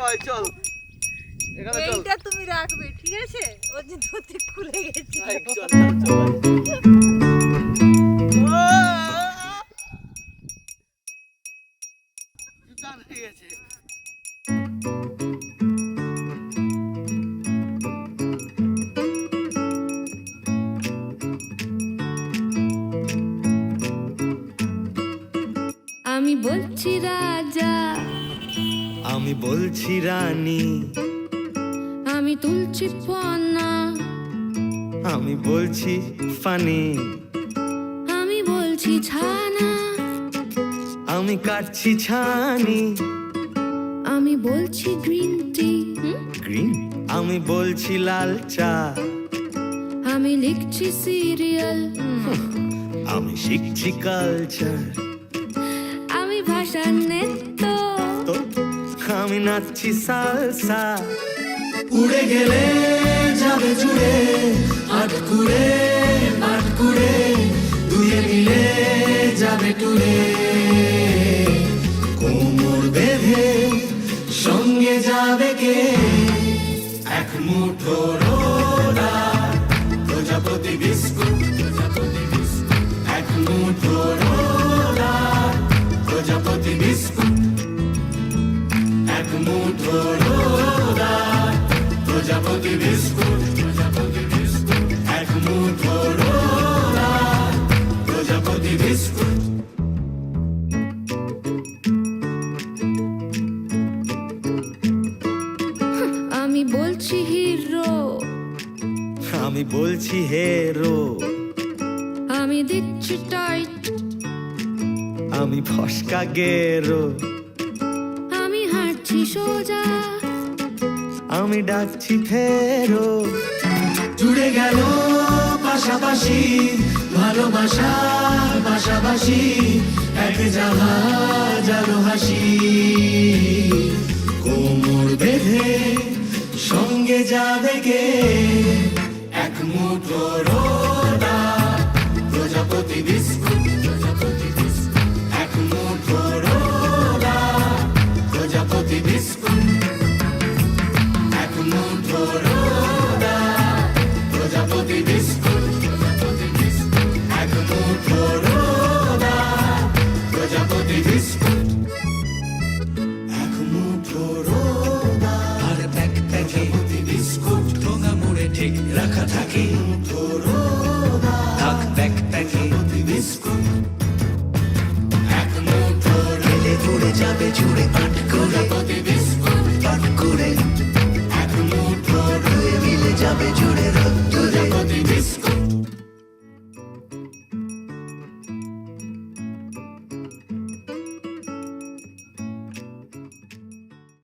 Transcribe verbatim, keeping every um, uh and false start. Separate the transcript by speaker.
Speaker 1: ভাই চল এখানে চল
Speaker 2: এইটা তুমি রাখবে ঠিক আছে ও যে ধুতে খুলে গেছে
Speaker 1: ভাই চল চল চল জুতা হয়ে গেছে
Speaker 3: আমি বলছি রাজা
Speaker 4: আমি বলছি রানী
Speaker 3: আমি তুলছি ফনা
Speaker 4: আমি বলছি ফানি
Speaker 3: আমি বলছি ছানা
Speaker 4: আমি কাটছি ছানি
Speaker 3: আমি বলছি গ্রিন টি
Speaker 4: গ্রিন আমি বলছি লাল চা
Speaker 3: আমি লিখছি সিরিয়াল
Speaker 4: আমি শিখছি কালচার
Speaker 3: আমি ভাষা নেত্য
Speaker 4: তো আমি নাচছি সালসা
Speaker 5: উড়ে গেলে যাবে জুড়ে আটকুড়ে আটকুড়ে দুয়ে মিলে যাবে টুরে কোমর বেঁধে সঙ্গে যাবে কে এক মুঠো রোদা প্রজাপতি বিস্কুট প্রজাপতি বিস্কুট এক মুঠো রোদা প্রজাপতি বিস্কুট এক মুঠো রোদা প্রজাপতি বিস্কুট প্রজাপতি বিস্কুট এক মুঠো রোদা প্রজাপতি বিস্কুট
Speaker 3: আমি বলছি হিরো
Speaker 4: আমি বলছি হেরো
Speaker 3: আমি দিচ্ছি টাইট
Speaker 4: আমি ফসকা গেরো
Speaker 3: আমি হাঁটছি সোজা
Speaker 4: আমি ডাকছি ফেরো
Speaker 5: জুড়ে গেল পাশাপাশি ভালোবাসা পাশাপাশি এক জাহাজ আলো হাসি কোমর বেঁধে সঙ্গে যাবে কে এক মুঠো রোদা প্রজাপতি বিস্কুট প্রজাপতি বিস্কুট এক মুঠো রোদা প্রজাপতি বিস্কুট এক মুঠো রোদা প্রজাপতি বিস্কুট প্রজাপতি বিস্কুট এক মুঠো রোদা প্রজাপতি বিস্কুট এক মুঠো রোদা আর প্যাক প্যাকে বিস্কুট ঠোঙা মুড়ে ঠিক রাখা থাকে মুঠো রোদা থাক প্যাক প্যাকে বিস্কুট এক মুঠো রেলে পড়ে যাবে জুড়ে পাট করে প্রজাপতি বিস্কুট পাট করে এক মুঠো রয়ে মিলে যাবে জুড়ে